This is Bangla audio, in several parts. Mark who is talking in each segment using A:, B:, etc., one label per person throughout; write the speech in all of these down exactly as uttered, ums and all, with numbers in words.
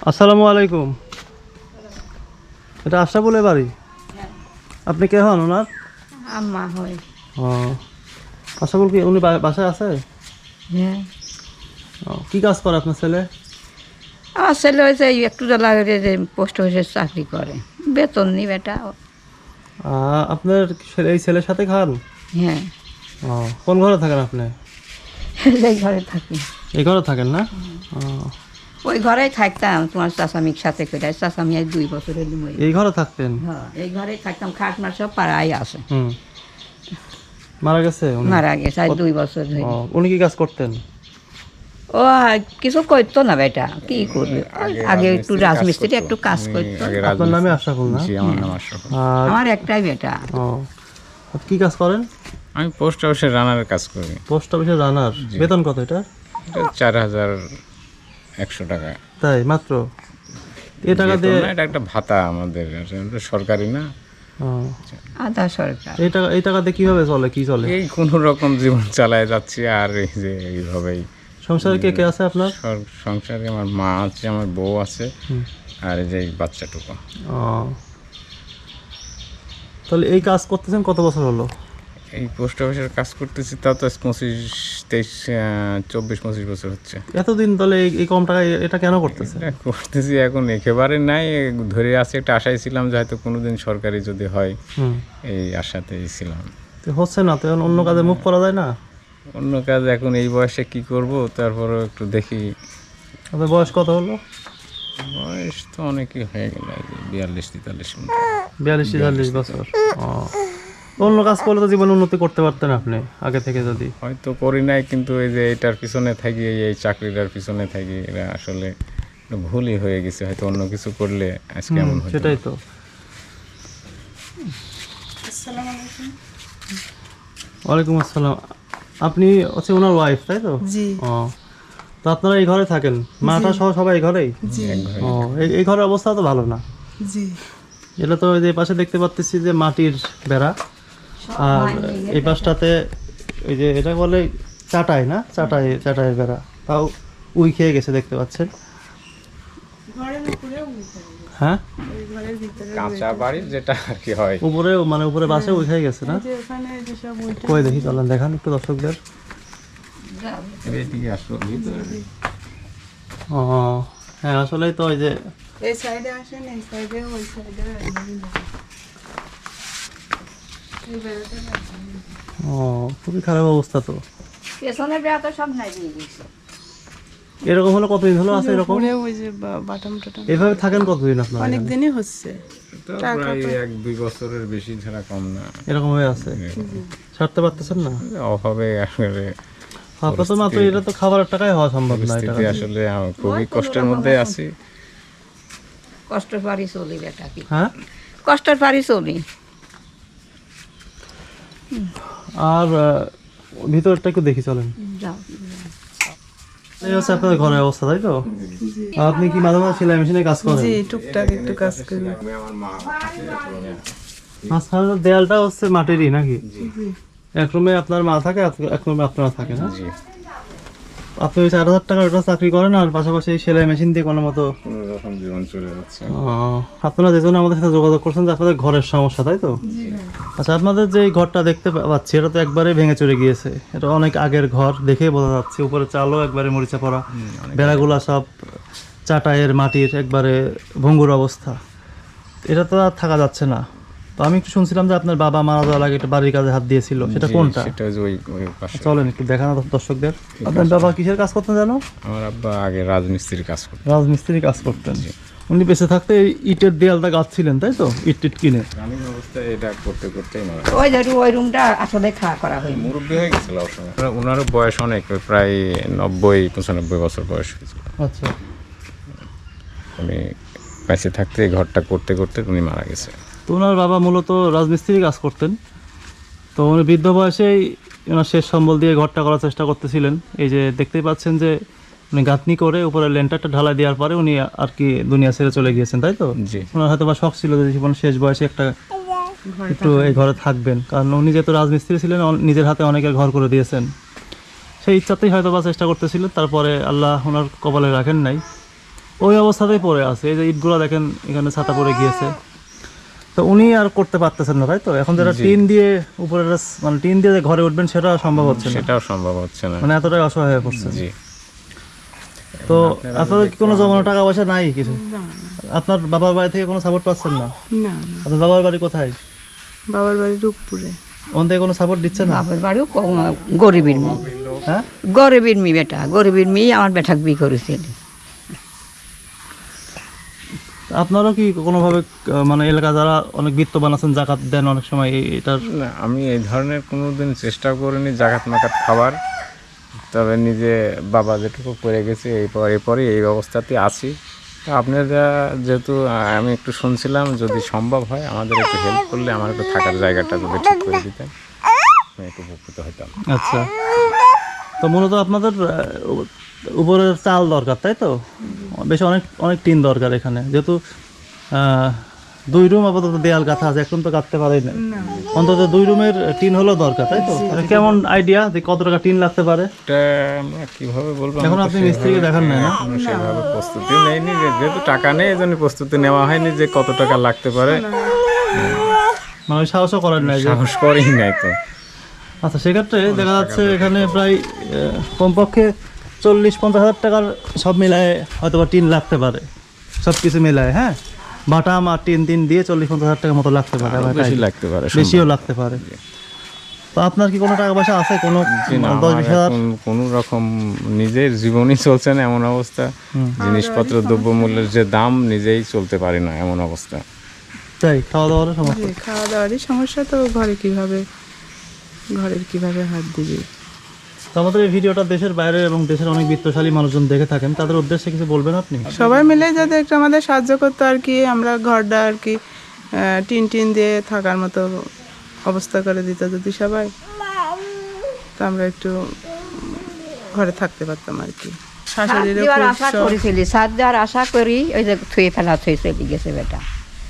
A: আসসালামু আলাইকুম। এটা আশরাফুলের বাড়ি? আপনি কে হন ওনার?
B: আম্মা হয়।
A: ও আশরাফুল কি উনি বা- বাসায় আছে?
B: হ্যাঁ,
A: ও, কি কাজ করে আপনার ছেলে?
B: আমার ছেলে হয়েছে এই একটু লাগে যে পোস্ট অফিসে চাকরি করে, বেতন নি বেটা।
A: আহ, আপনার ছেলে- এই ছেলের সাথে খান?
B: হ্যাঁ,
A: ও, কোন ঘরে থাকেন আপনি?
B: এই ঘরে থাকি।
A: এই ঘরে থাকেন না? ও,
B: ওই ঘরেই থাকতাম তোমার চাচামির সাথে করে। চাচামি আজ দুই বছরের মরে।
A: এই ঘরে থাকতেন?
B: হ্যাঁ, এই ঘরেই থাকতাম। খাট মার সব পাড়াই আছে।
A: হুম, মারা গেছে উনি?
B: মারা গেছে আজ দুই বছর ধরে।
A: ও, উনি কি কাজ করতেন?
B: ও কিছু করতো না বেটা, কি করবে। আগে একটু রাজমিস্ত্রি একটু কাজ করতো।
A: আপনার নামে আশরাফুল না?
C: আমার নাম আশরাফুল।
A: আর
B: আমার একটাই বেটা।
A: ও, আপনি কি কাজ করেন?
C: আমি পোস্ট অফিসে রানারের কাজ করি।
A: পোস্ট অফিসে রানার? বেতন কত এটা?
C: এটা চার হাজার একশো টাকা।
A: তাই মাত্র? এই টাকা
C: বেতন
A: দিয়ে?
C: না, এটা একটা ভাতা আমাদের, এটা সরকারি না।
A: ও,
B: আধা সরকার।
A: এই টাকা এই টাকা দিয়ে কিভাবে চলে? কি চলে?
C: এই কোনো রকম জীবন চালায় যাচ্ছি। আর এই যে এইভাবেই
A: সংসারে কে কে আছে আপনার?
C: সর- সংসারে আমার মা আছে, আমার বউ আছে,
A: হুম।
C: আর এই যে এই বাচ্চাটুকু।
A: ও, তাহলে এই কাজ করতেছেন কত বছর হলো?
C: এই পোস্ট অফিসের কাজ করতেছি তাও তো পঁচিশ তেইশ আহ, চব্বিশ পঁচিশ বছর হচ্ছে।
A: এতদিন তাহলে এই- এই কম টাকায় এটা কেন করতেছেন?
C: এটা করতেছি এখন একেবারে নাই, ধরে আছে একটা আশায় ছিলাম যে হয়তো কোনোদিন সরকারি যদি হয়,
A: হুম,
C: এই আশাতেই ছিলাম।
A: তো হচ্ছে না তো, এখন অন্য কাজে মুভ করা যায় না?
C: অন্য কাজ এখন এই বয়সে কি করব, তারপরেও একটু দেখি।
A: আপনার বয়স কত হলো?
C: বয়স তো অনেকই হয়ে গেল, এই যে বিয়াল্লিশ তেতাল্লিশ মতো।
A: বিয়াল্লিশ তেতাল্লিশ বছর। ও, অন্য কাজ করলে তো জীবনে উন্নতি করতে পারতেন আপনি আগে থেকে যদি।
C: হয়তো করি নাই, কিন্তু এই যে এটার পিছনে থাকি, এই এই চাকরিটার পিছনে থাকি, এটা আসলে একটু ভুলই হয়ে গেছে। হয়তো অন্য কিছু করলে আজকে এমন হতো না।
A: সেটাই তো। ওয়ালাইকুম আসসালাম। আপনি হচ্ছে ওনার ওয়াইফ তাই তো?
D: জি
A: ও, তো আপনারা এই ঘরে থাকেন? মাটা সহ সবাই এই ঘরেই?
D: জি
C: এক ঘরে।
A: ও, এই এই ঘরের অবস্থা তো ভালো না।
D: জি
A: এটা তো ওই যে পাশে দেখতে পাচ্ছি যে মাটির বেড়া, আর এই পাশটাতে ওই যে এটা বলে চাটাই না, চাটাই চাটাইয়ের বেড়া, তাও উই খেয়ে গেছে দেখতে পাচ্ছেন।
D: ঘরের উপরে
A: হ্যাঁ,
D: ওই ঘরের ভিতরে
C: কাঁচা বাড়ির যেটা আর কি হয়।
A: উপরে মানে উপরে বাসে উই খেয়ে গেছে না?
D: যে ওখানে যেসব ওইটা
A: কই দেখি, চলেন দেখান একটু দর্শকদের।
C: এইদিকে আসলো ভিতরে।
A: ও হ্যাঁ, আসলেই তো ওই যে
D: এই সাইডে আসেন, এই সাইডে ওই সাইডে
A: ও খুবই খারাপ অবস্থা তো।
B: পেছনের বেড়া তো সব নাই দিয়ে দিয়েছে।
A: এরকম হলো কতদিন হলো আছে এরকম?
D: উপরে ওই যে বা- বাটাম টাটাম
A: এভাবে থাকেন কতদিন আপনারা
D: অনেক
A: এখানে?
D: দিনই হচ্ছে।
C: তো প্রায় এক দুই বছরের বেশি ছাড়া কম না।
A: এরকম হয়ে আছে, ছাড়তে পারতেছেন না?
C: অভাবে আসলে
A: আপনার তো মাত্র এটা তো খাবারের টাকায় হওয়া সম্ভব না এটা।
C: পরিস্থিতি, আসলে আমি খুবই কষ্টের মধ্যে আছি।
B: কষ্টের পারি চলি বেটা, কি
A: হ্যাঁ,
B: কষ্টের পারি চলি।
A: আর আহ, ভিতরটা একটু দেখি চলেন।
B: যাও।
A: এই হচ্ছে আপনাদের ঘরের অবস্থা তাই তো? আর আপনি কি মাঝে মাঝে সেলাই মেশিনে কাজ করেন?
D: জি টুকটাক একটু কাজ করি।
A: মাঝখানে দেয়ালটা হচ্ছে মাটিরই নাকি? এক রুমে আপনার মা থাকে, এক- এক রুমে আপনারা থাকে না?
C: জি,
A: আপনি ওই চার হাজার টাকার ওটা চাকরি করেন আর পাশাপাশি এই সেলাই মেশিন দিয়ে কোনো মতো।
C: কোনো রকম জীবন চলে যাচ্ছে।
A: আহ, আপনারা যে জন্য আমাদের সাথে যোগাযোগ করছেন যে আপনাদের ঘরের সমস্যা তাই তো? আচ্ছা, আপনাদের যে এই ঘরটা দেখতে পা- পাচ্ছি এটা তো একবারে ভেঙে চলে গিয়েছে। এটা অনেক আগের ঘর, দেখেই বোঝা যাচ্ছে। উপরে চালও একবারে মরিচা পড়া, বেড়াগুলা সব চাটাইয়ের মাটির, একবারে ভঙ্গুর অবস্থা। এটা তো আর থাকা যাচ্ছে না। তো আমি একটু শুনছিলাম যে আপনার বাবা মারা যাওয়ার আগে একটা বাড়ির কাজে হাত দিয়েছিল, সেটা
C: জি,
A: কোনটা?
C: সেটা ওই যে ওই ওই পাশে।
A: চলেন একটু দেখানো দর্শকদের। আপনার বাবা কিসের কাজ করতেন জানো?
C: আমার আব্বা আগে রাজমিস্ত্রির কাজ করতো।
A: রাজমিস্ত্রি কাজ করতেন। উনি বেঁচে থাকতে এই ইটের দেয়ালটা গাঁথছিলেন তাই তো, ইট টিট কিনে?
C: গ্রামীণ অবস্থায় এটা করতে করতেই মারা
B: ওই ধরু ওই রুমটা আসলে খাওয়া করা হয়নি।
C: মুরব্বী হয়ে গেছিল অসময়। ওনারও বয়স অনেক, ওই প্রায় নব্বই পঁচানব্বই বছর বয়স হয়েছিল।
A: আচ্ছা,
C: উনি বেঁচে থাকতে এই ঘরটা করতে করতে উনি মারা গেছে।
A: তো ওনার বাবা মূলত রাজমিস্ত্রি কাজ করতেন। তো উনি বৃদ্ধ বয়সেই ওনার শেষ সম্বল দিয়ে ঘরটা করার চেষ্টা করতেছিলেন। এই যে দেখতেই পাচ্ছেন যে উনি গাঁথনি করে উপরে লেন্টারটা ঢালাই দেওয়ার পরে উনি আর কি দুনিয়া ছেড়ে চলে গিয়েছেন তাই তো?
C: জি,
A: ওনার হয়তো বা শখ ছিল যে জীবন শেষ বয়সে একটা একটু এই ঘরে থাকবেন, কারণ উনি যেহেতু রাজমিস্ত্রি ছিলেন, অন- নিজের হাতে অনেকের ঘর করে দিয়েছেন। সেই ইচ্ছাতেই হয়তো বা চেষ্টা করতেছিলেন। তারপরে আল্লাহ ওনার কপালে রাখেন নাই। ওই অবস্থাতেই পড়ে আছে। এই যে ইটগুলো দেখেন এখানে ছাতা পড়ে গিয়েছে। তো উনি আর করতে পারতেছেন না, তাই তো? এখন যারা টিন দিয়ে উপরে মানে টিন দিয়ে যে ঘরে উঠবেন সেটা সম্ভব হচ্ছে না,
C: সেটাও সম্ভব হচ্ছে না।
A: মানে এতটাই অসহায় হয়ে পড়ছে।
C: জি।
A: তো আপনাদের কি কোনো জমানো টাকা পয়সা নাই কিছু? আপনার বাবার বাড়ি থেকে কোনো সাপোর্ট পাচ্ছেন না?
D: না না
A: আপনার বাবার বাড়ি কোথায়?
D: বাবার বাড়ি রূপপুরে।
A: ওখান থেকে কোনো সাপোর্ট দিচ্ছে না?
B: বাপের বাড়িও ক- গরিবের মেয়ে,
A: হ্যাঁ,
B: গরিবের মেয়ে বেটা, গরিবের মেয়ে আমার বেটাকে বিয়ে করেছিল।
A: আপনারও কি কোনোভাবে আহ, মানে এলাকা যারা অনেক বিত্তবান আছেন জাকাত দেন অনেক সময় এই- এটার?
C: না, আমি এই ধরনের কোনো দিন চেষ্টা করিনি জাকাত মাকাত খাবার। তবে নিজে বাবা যেটুকু করে গেছে এই পর এরপরে এই অবস্থাতে আছি। তো আপনারা যেহেতু আহ, আমি একটু শুনছিলাম যদি সম্ভব হয় আমাদের একটু হেল্প করলে আমার একটু থাকার জায়গাটা যদি ঠিক করে দিতেন আমি একটু উপকৃত হতাম।
A: আচ্ছা, তো মূলত আপনাদের আহ, উ- উপরের চাল দরকার, তাই তো? বেশ অনেক অনেক টিন দরকার এখানে, যেহেতু আহ, দুই রুম আপাতত দেয়াল গাঁথা আছে, এক রুম তো গাঁথতে পারেই না। অন্তত দুই রুমের টিন হলেও দরকার, তাই তো? মানে কেমন আইডিয়া যে কত টাকা টিন লাগতে পারে?
C: এটা আমরা কীভাবে বলবো, আমি
A: এখন
C: তো
A: আপনি
C: সেভাবে-
A: মিস্ত্রিকে দেখান নাই না?
C: এখনো সেভাবে প্রস্তুতি নেইনি, যে- যেহেতু টাকা নেই এই জন্য প্রস্তুতি নেওয়া হয়নি যে কত টাকা লাগতে পারে,
A: মানে ওই সাহসও করেন নাই যে?
C: সাহস করেই নাই তো।
A: আচ্ছা, সেক্ষেত্রে দেখা যাচ্ছে এখানে প্রায় আহ, কমপক্ষে চল্লিশ পঞ্চাশ হাজার টাকার সব মিলায় হয়তো বা টিন লাগতে পারে, সব কিছু মিলায়। হ্যাঁ, বাটাম আর টিন টিন দিয়ে চল্লিশ পঞ্চাশ হাজার টাকার মতো লাগতে পারে, আমার
C: বেশি
A: idea।
C: লাগতে পারে,
A: বেশিও লাগতে পারে। তো আপনার কি কোনো টাকা পয়সা আছে কোনো
C: জি না,
A: দশ
C: আমার
A: বিশ হাজার?
C: এখন কোনো রকম নিজের জীবনই চলছে না এমন অবস্থা, জিনিসপত্র দ্রব্যমূল্যের যে দাম নিজেই চলতে পারি না এমন অবস্থা।
A: তাই খাওয়া দাওয়ার সমস্যা?
D: জি, খাওয়া দাওয়ারই সমস্যা। তো ঘরে কিভাবে ঘরের কিভাবে হাত দিবি?
A: তো আমাদের এই ভিডিওটা দেশের বাইরে এবং দেশের অনেক বিত্তশালী মানুষজন দেখে থাকেন, তাদের উদ্দেশ্যে কিছু বলবেন আপনি?
D: সবাই মিলে যদি একটু আমাদের সাহায্য করতো আর কি, আমরা ঘরটা আর কি আহ, টিন টিন দিয়ে থাকার মতো অবস্থা করে দিত যদি সবাই, তো আমরা একটু ঘরে থাকতে পারতাম আর কি।
B: সাত
D: শাশুড়িরও
B: দেওয়ার
D: খুব
B: আশা
D: শখ।
B: করেছিলি, সাত দেওয়ার আশা করি ওই যে থুয়ে ফেলা থুয়ে চলে গেছে বেটা।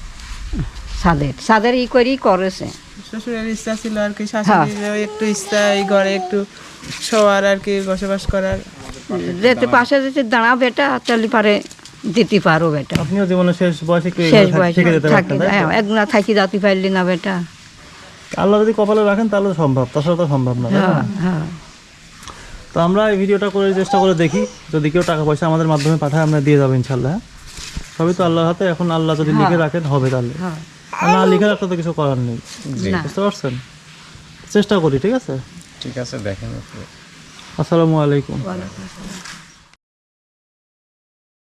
B: সাদের সাদের ই করি করেছে।
D: শ্বশুরের ইচ্ছা ছিল আর কি, শাশুড়িরও একটু ইচ্ছা এই ঘরে একটু শোয়ার আর কি, বসবাস করার।
B: যেতে পাশে যেতে দাঁড়া বেটা, তাহলে পারে দিতে পারো বেটা।
A: আপনিও জীবনে শেষ বয়সে একটু
B: শেষ
A: এগুলো
B: বয়সে
A: থেকে যেতে
B: থাকি,
A: পারতেন, তাই তো?
B: হ্যাঁ, একদিন থাকি যাতে পারলি না বেটা।
A: আল্লাহ যদি কপালে রাখেন তাহলে সম্ভব, তাছাড়া তো সম্ভব না, তাই না?
B: হ্যাঁ হ্যাঁ
A: তো আমরা এই ভিডিওটা করে চেষ্টা করে দেখি, যদি কেউ টাকা পয়সা আমাদের মাধ্যমে পাঠায় আমরা দিয়ে যাবো ইনশাল্লাহ। হ্যাঁ, সবই তো আল্লাহর হাতে, এখন আল্লাহ যদি লিখে রাখেন হবে তাহলে,
B: হ্যাঁ
A: আর না লিখে রাখতে তো কিছু করার নেই।
B: না।
A: বুঝতে পারছেন? চেষ্টা করি, ঠিক আছে?
C: ঠিক আছে, দেখেন একটু।
A: আসসালামু আলাইকুম।
B: ওয়ালাইকুম আসসালাম।